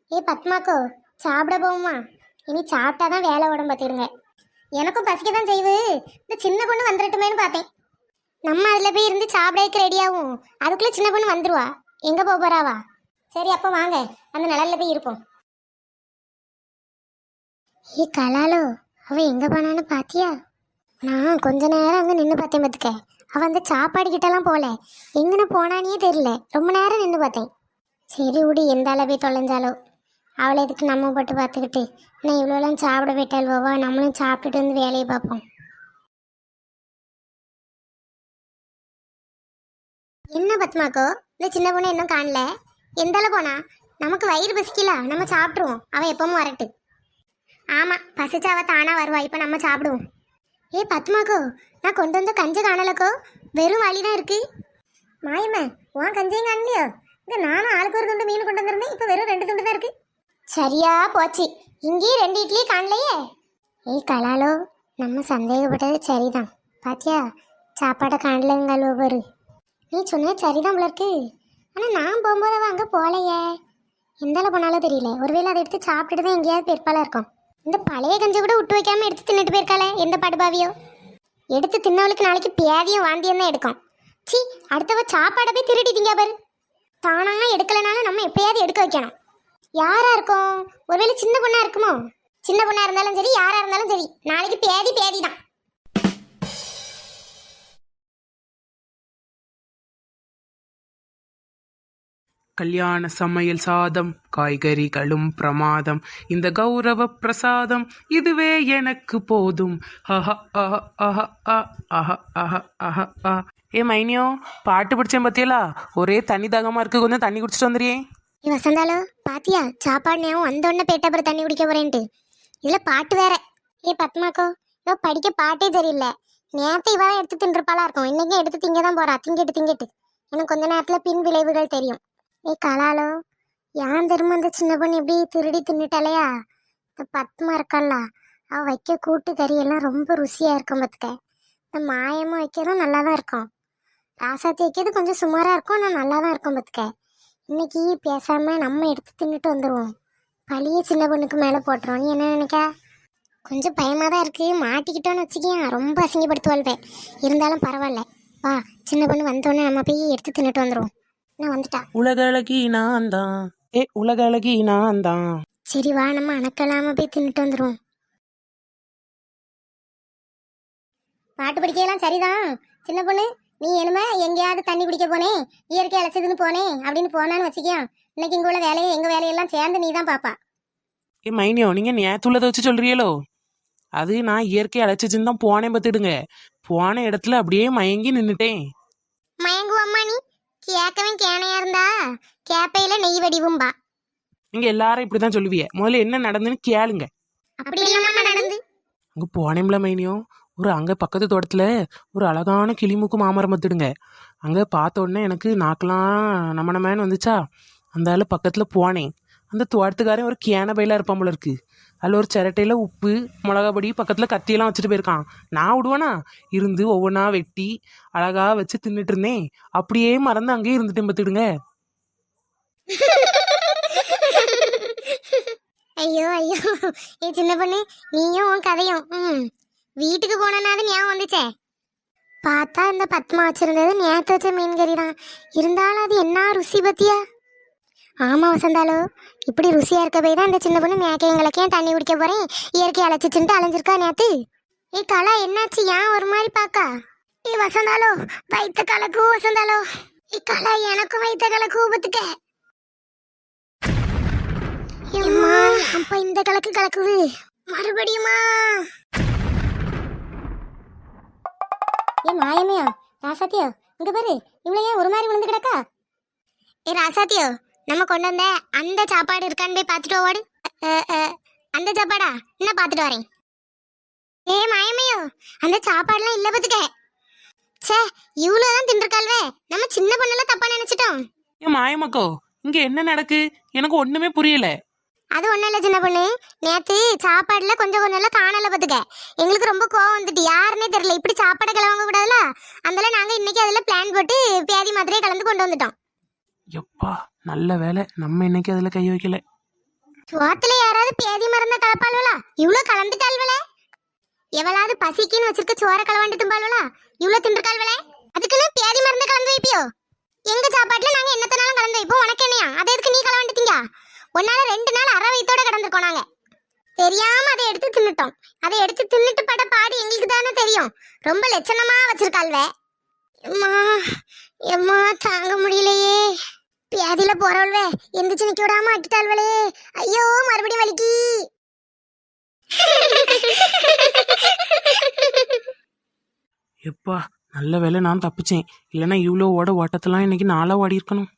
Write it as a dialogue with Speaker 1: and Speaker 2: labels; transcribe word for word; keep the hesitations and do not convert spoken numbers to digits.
Speaker 1: ஏ பத்மாக்கோ, சாப்பிட போகுமா? இனி சாப்பிட்டாதான் வேலை உடம்பு பார்த்துடுங்க. எனக்கும் பசிக்க தான் செய்வு. இந்த சின்ன பொண்ணு வந்துடட்டுமேனு பார்த்தேன். நம்ம அதில் போய் இருந்து சாப்பிடக்கு ரெடியாகும். அதுக்குள்ளே சின்ன பொண்ணு வந்துருவா. எங்கே போக போறாவா? சரி அப்போ வாங்க, அந்த நிழல்ல போய் இருப்போம். ஏ கலாலோ, அவ எங்கே போனான்னு பாத்தியா? நான் கொஞ்ச நேரம் அங்கே நின்று பார்த்தேன் பார்த்துக்க. அவள் அந்த சாப்பாடு கிட்டலாம் போகல. எங்கன்னு போனானே தெரியல. ரொம்ப நேரம் நின்று பார்த்தேன். சரி விடு, எந்த அளவு போய் தொலைஞ்சாலோ. அவளை எதுக்கு நம்ம போட்டு பார்த்துக்கிட்டு நான் இவ்வளோலாம் சாப்பிட விட்டால்வோவா? நம்மளும் சாப்பிட்டுட்டு வந்து வேலையை பார்ப்போம். என்ன பத்மாக்கோ, இந்த சின்ன பொண்ணு இன்னும் காணல? எந்தால போனா? நமக்கு வயிறு பசிக்கல, நம்ம சாப்பிட்ருவோம். அவள் எப்பவும் வரட்டு. ஆமாம், பசிச்சா அவள் தானா வருவா. இப்போ நம்ம சாப்பிடுவோம். ஏ பத்மாக்கோ, நான் கொண்டு வந்த கஞ்சை காணலக்கோ. வெறும் வழி தான் இருக்கு. மாயம்மா, உன் கஞ்சையும் காணலையோ? இங்கே நானும் ஆளுக்கு ஒரு துண்டு மீன் கொண்டு வந்திருந்தேன். இப்போ வெறும் ரெண்டு துண்டு தான் இருக்கு. சரியா போச்சு, இங்கேயும் ரெண்டு இட்லி காணலையே. ஏய் கலாலோ, நம்ம சந்தேகப்பட்டது சரிதான். பாத்தியா, சாப்பாடை காணலங்கள் ஒவ்வொரு. நீ சொன்னது சரிதான் போல இருக்கு. ஆனால் நான் போகும்போது அவள் அங்கே போகலையே. எந்தால போனாலும் தெரியல. ஒருவேளை அதை எடுத்து சாப்பிட்டுட்டு தான் எங்கேயாவது பெருப்பாலாக இருக்கும். இந்த பழைய கஞ்சி கூட விட்டு வைக்காம எடுத்து தின்னுட்டு போயிருக்காளே, எந்த படுபாவியோ. எடுத்து தின்னவளுக்கு நாளைக்கு பேதியும் வாந்தியும் தான் எடுக்கும். சி, அடுத்தவ சாப்பாடை போய் திருடி திங்க பாரு. தானா எடுக்கலைனாலும் நம்ம எப்பயாவது எடுக்க வைக்கணும். யாரா இருக்கும்? ஒருவேளை சின்ன பொண்ணா இருக்குமோ? சின்ன பொண்ணா இருந்தாலும் சரி, யாரா இருந்தாலும் சரி, நாளைக்கு பேதி பேதி தான்.
Speaker 2: கல்யாண சமையல் சாதம், காய்கறிகளும் பிரமாதம், இந்த கௌரவ பிரசாதம் இதுவே எனக்கு போதும். அஹ அஹ அஹ அஹ அஹ அஹ அஹ அஹ. ஏ மைனியோ, பாட்டு பிடிச்சேன் பத்தியலா? ஒரே தண்ணி தாகமா இருக்கு, கொஞ்சம் தண்ணி குடிச்சிட்டு வந்துறியே.
Speaker 1: நீ வசந்தாலோ பாத்தியா, சாப்பாடு நேரம் வந்தோடனே பேட்ட அப்புறம் தண்ணி குடிக்க போறேன்ட்டு. இதுல பாட்டு வேற. ஏ பத்மாக்கோ, இதோ படிக்க பாட்டே சரியில்லை. நேரத்தை இவ தான் எடுத்து தின்றுப்பாளா இருக்கும். இன்னைக்கும் எடுத்து திங்க தான் போறா. திங்கிட்டு திங்கிட்டு எனக்கு கொஞ்ச நேரத்துல பின் விளைவுகள் தெரியும். ஏ கலாலோ, யான் திரும்ப அந்த சின்ன பொண்ணு எப்படி திருடி தின்னுட்டாலையா? இந்த பத்மா இருக்கல்ல, அவ வைக்க கூட்டு கறி எல்லாம் ரொம்ப ருசியா இருக்கும் பார்த்துக்க. இந்த மாயமும் வைக்கிறதும் நல்லா தான் இருக்கும். ராசாத்தி வைக்கிறது கொஞ்சம் சுமாரா இருக்கும், ஆனால் நல்லா தான் இருக்கும் பார்த்துக்க. இன்னைக்கு பேசாம நம்ம எடுத்து தின்னுட்டு வந்துடுவோம். பழிய சின்ன பொண்ணுக்கு மேலே போட்டுருவோம். நீ என்ன நினைக்க? கொஞ்சம் பயமாக தான் இருக்கு. மாட்டிக்கிட்டோன்னு வச்சுக்கேன், ரொம்ப அசிங்கப்படுத்துவாள்வேன். இருந்தாலும் பரவாயில்ல. வா, சின்ன பொண்ணு வந்தோடனே நம்ம போய் எடுத்து தின்னுட்டு வந்துடுவோம். நான் வந்துட்டா.
Speaker 2: உலக அழகி நான் தான். ஏ உலக அழகி நான் தான்.
Speaker 1: சரி வா, நம்ம அணக்கலாம போய் தின்னுட்டு வந்துடுவோம். பாட்டு படிக்கலாம் சரிதான். சின்ன பொண்ணு, நீ என்னமே எங்கேயாவது தண்ணி குடிக்க போனேன், இயற்கை அழைச்சதுன்னு போனேன் அப்படின்னு போனான்னு வச்சுக்கியா, இன்னைக்கு இங்கே உள்ள வேலையை எங்கள் வேலையெல்லாம் சேர்ந்து நீ தான் பாப்பா.
Speaker 2: ஏ மைனியோ, நீங்க நேத்துள்ளதை வச்சு சொல்றீங்களோ? அது நான் இயற்கை அழைச்சிச்சுன்னு தான் போனேன் பார்த்துடுங்க. போன இடத்துல அப்படியே மயங்கி நின்றுட்டேன்.
Speaker 1: மயங்குவம்மா நீ? கேட்கவன் கேனையா இருந்தா கேப்பையில நெய் வடிவும்பா.
Speaker 2: நீங்க எல்லாரும் இப்படிதான் சொல்லுவீங்க. முதல்ல என்ன நடந்துன்னு கேளுங்க.
Speaker 1: அப்படி என்னம்மா நடந்து?
Speaker 2: அங்க போனேம்ல மைனியோ, ஒரு அங்க பக்கத்து தோட்டத்துல ஒரு அழகான கிளிமூக்கு மாமரம் பார்த்துடுங்க. அங்க பார்த்த உடனே எனக்கு நாக்கெல்லாம் நம்ம நம்மன்னு வந்துச்சா. அந்த ஆள் பக்கத்துல போனேன். அந்த தோட்டத்துக்காரன் ஒரு கேன பையில இருப்பான் போல இருக்கு. அதில் ஒரு சிரட்டையில உப்பு மிளகா பொடி பக்கத்தில் கத்தியெல்லாம் வச்சுட்டு போயிருக்கான். நான் விடுவேனா? இருந்து ஒவ்வொன்றா வெட்டி அழகா வச்சு தின்னுட்டு இருந்தேன். அப்படியே மறந்து அங்கேயே இருந்துட்டேன் பார்த்துடுங்க.
Speaker 1: ஐயோ ஐயோ, ஏ சின்ன பொண்ணு, நீயும் உன் கதையும் ம் வீட்டுக்கு போனனாது ஞாபகம் வந்துச்சே. பார்த்தா இந்த பத்மா வச்சிருந்தது நேற்று வச்ச மீன் கறி தான். இருந்தாலும் அது என்ன ருசி பத்தியா? ஆமா வசந்தாலோ, இப்படி ருசியா இருக்க போய் தான் இந்த சின்ன பொண்ணு மேக்கையங்களுக்கு ஏன் தண்ணி குடிக்க போறேன் இயற்கை அழைச்சிச்சுட்டு அலைஞ்சிருக்கா நேத்து. ஏ கலா, என்னாச்சு? ஏன் ஒரு மாதிரி பாக்கா? ஏ வசந்தாலோ, வைத்த கலக்கு வசந்தாலோ. ஏ கலா, எனக்கும் வைத்த கலக்கு பத்துக்க. ஏம்மா, அப்ப இந்த கலக்கு கலக்குது மறுபடியுமா? ஏ மாயமையா, ராசாத்தியோ, இங்க பாரு, இவ்வளவு ஏன் ஒரு மாதிரி விழுந்து கிடக்கா? ஏ ராசாத்தியோ, நம்ம கொண்டு வந்த அந்த சாப்பாடு இருக்கான்னு போய் பார்த்துட்டு ஓடு. அந்த சாப்பாடா? என்ன பார்த்துட்டு வரேன். ஏ மாயமையோ, அந்த சாப்பாடுலாம் இல்லை பத்துக்க. சே, இவ்வளோதான் தின்றுக்கால்வே. நம்ம சின்ன பொண்ணெல்லாம் தப்பா நினைச்சிட்டோம்.
Speaker 2: ஏன் மாயமக்கோ, இங்க என்ன நடக்கு? எனக்கு ஒண்ணுமே புரியல.
Speaker 1: அது ஒன்றும் இல்லை சின்ன பொண்ணு, நேற்று சாப்பாடுல கொஞ்சம் கொஞ்சம் எல்லாம் காணல பார்த்துக்க. எங்களுக்கு ரொம்ப கோவம் வந்துட்டு, யாருன்னே தெரியல. இப்படி சாப்பாடை கிளம்ப கூடாதுல, அதனால நாங்கள் இன்னைக்கு அதில் பிளான் போட்டு பேதி மாத்திரையை கலந்து கொண்டு வந்துட்டோம்.
Speaker 2: எப்பா நல்ல வேலை, நம்ம இன்னைக்கு அதில் கை வைக்கல.
Speaker 1: சோத்துல யாராவது பேதி மருந்த கலப்பாள்வலா? இவ்ளோ கலந்துட்டாள்வலே. எவளாவது பசிக்குன்னு வச்சிருக்க சோற கலவாண்டு தும்பாள்வலா? இவ்ளோ தின்றுக்காள்வலே. அதுக்குன்னு பேதி மருந்த கலந்து வைப்பியோ? எங்க சாப்பாட்டுல நாங்க என்னத்தனாலும் கலந்து வைப்போம். உனக்கு என்னையா? அதை எதுக்கு நீ கலவாண்டுட்டீங்க? ஒன்னால ரெண்டு நாள் அரை வயித்தோட கிடந்திருக்கோம் நாங்க. தெரியாம அதை எடுத்து தின்னுட்டோம். அதை எடுத்து தின்னுட்டு பட பாடு எங்களுக்கு தானே தெரியும். ரொம்ப லட்சணமா வச்சிருக்காள்வே. எம்மா எம்மா தாங்க முடியலையே. பியாதியில போறவள்வே எந்திரிச்சு நிக்க விடாம ஆக்கிட்டாள்வளே. ஐயோ மறுபடியும் வலிக்கி.
Speaker 2: எப்பா நல்ல வேளை நான் தப்பிச்சேன். இல்லைன்னா இவ்வளோ ஓட ஓட்டத்தெல்லாம் இன்னைக்கு நாளாக ஓடி இருக்கணும்.